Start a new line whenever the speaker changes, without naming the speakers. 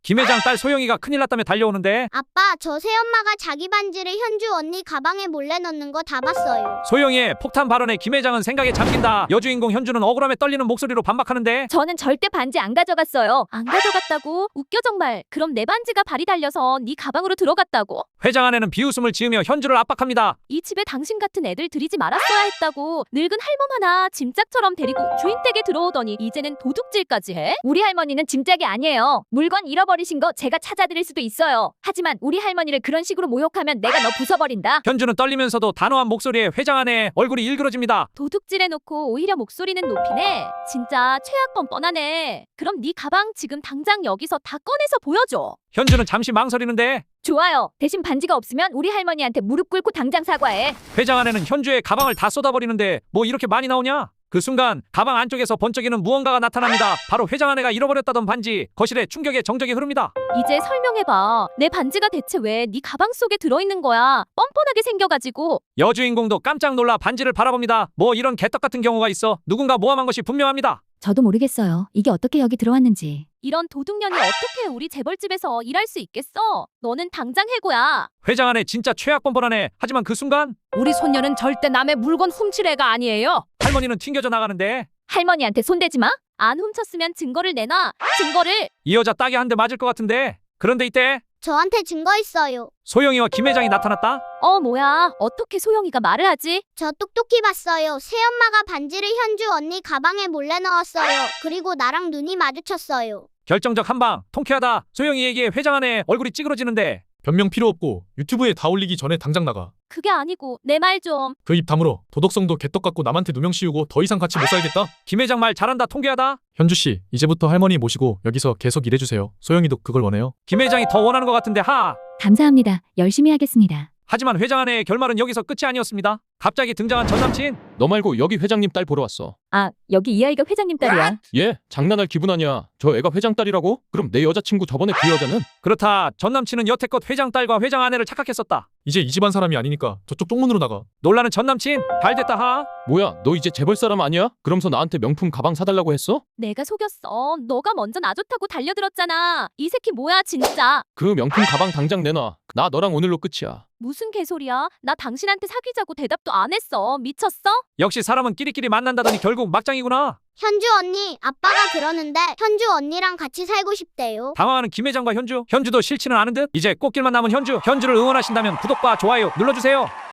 김 회장 딸 소영이가 큰일 났다며 달려오는데.
아빠, 저 새엄마가 자기 반지를 현주 언니 가방에 몰래 넣는 거 다 봤어요.
소영이의 폭탄 발언에 김 회장은 생각에 잠긴다. 여주인공 현주는 억울함에 떨리는 목소리로 반박하는데.
저는 절대 반지 안 가져갔어요. 안 가져갔다고? 웃겨 정말. 그럼 내 반지가 발이 달려서 네 가방으로 들어갔다고?
회장 아내는 비웃음을 지으며 현주를 압박합니다.
이 집에 당신 같은 애들 들이지 말았어야 했다고. 늙은 할멈 하나 짐짝처럼 데리고 주인 댁에 들어오더니 이제는 도둑질까지 해? 우리 할머니는 짐짝이 아니에요. 물건 잃어버리신 거 제가 찾아드릴 수도 있어요. 하지만 우리 할머니를 그런 식으로 모욕하면 내가 너 부숴버린다.
현주는 떨리면서도 단호한 목소리에 회장 아내의 얼굴이 일그러집니다.
도둑질해놓고 오히려 목소리는 높이네. 진짜 최악범 뻔하네. 그럼 네 가방 지금 당장 여기서 다 꺼내서 보여줘.
현주는 잠시 망설이는데.
좋아요. 대신 반지가 없으면 우리 할머니한테 무릎 꿇고 당장 사과해.
회장 아내는 현주의 가방을 다 쏟아버리는데 뭐 이렇게 많이 나오냐? 그 순간 가방 안쪽에서 번쩍이는 무언가가 나타납니다. 바로 회장 아내가 잃어버렸다던 반지. 거실에 충격의 정적이 흐릅니다.
이제 설명해봐. 내 반지가 대체 왜 네 가방 속에 들어있는 거야? 뻔뻔하게 생겨가지고.
여주인공도 깜짝 놀라 반지를 바라봅니다. 뭐 이런 개떡 같은 경우가 있어. 누군가 모함한 것이 분명합니다.
저도 모르겠어요. 이게 어떻게 여기 들어왔는지.
이런 도둑년이 어떻게 우리 재벌집에서 일할 수 있겠어? 너는 당장 해고야.
회장 아내 진짜 최악 뻔뻔하네. 하지만 그 순간
우리 손녀는 절대 남의 물건 훔칠 애가 아니에요.
할머니는 튕겨져 나가는데.
할머니한테 손대지 마. 안 훔쳤으면 증거를 내놔. 증거를.
이 여자 딱이 한 대 맞을 것 같은데. 그런데 이때
저한테 증거 있어요.
소영이와 김 회장이 나타났다.
뭐야. 어떻게 소영이가 말을 하지?
저 똑똑히 봤어요. 새엄마가 반지를 현주 언니 가방에 몰래 넣었어요. 그리고 나랑 눈이 마주쳤어요.
결정적 한방. 통쾌하다. 소영이에게 회장 아내의 얼굴이 찌그러지는데.
변명 필요 없고 유튜브에 다 올리기 전에 당장 나가.
그게 아니고 내 말 좀.
그 입 다물어. 도덕성도 개떡 같고 남한테 누명 씌우고 더 이상 같이 못 살겠다.
김 회장 말 잘한다. 통쾌하다.
현주씨, 이제부터 할머니 모시고 여기서 계속 일해주세요. 소영이도 그걸 원해요.
김 회장이 더 원하는 것 같은데 하.
감사합니다. 열심히 하겠습니다.
하지만 회장 아내의 결말은 여기서 끝이 아니었습니다. 갑자기 등장한 전남친.
너 말고 여기 회장님 딸 보러 왔어.
아, 여기 이 아이가 회장님 딸이야.
얘 장난할 기분 아니야. 저 애가 회장 딸이라고? 그럼 내 여자친구 저번에 그 여자는?
그렇다. 전남친은 여태껏 회장 딸과 회장 아내를 착각했었다.
이제 이 집안 사람이 아니니까 저쪽 쪽문으로 나가.
놀라는 전남친. 잘됐다 하.
뭐야 너 이제 재벌 사람 아니야? 그러면서 나한테 명품 가방 사달라고 했어?
내가 속였어. 너가 먼저 나 좋다고 달려들었잖아. 이 새끼 뭐야 진짜.
그 명품 가방 당장 내놔. 나 너랑 오늘로 끝이야.
무슨 개소리야. 나 당신한테 사귀자고 대답도 안 했어. 미쳤어?
역시 사람은 끼리끼리 만난다더니 결국 막장이구나.
현주 언니, 아빠가 그러는데 현주 언니랑 같이 살고 싶대요.
당황하는 김 회장과 현주. 현주도 싫지는 않은 듯. 이제 꽃길만 남은 현주. 현주를 응원하신다면 구독과 좋아요 눌러주세요.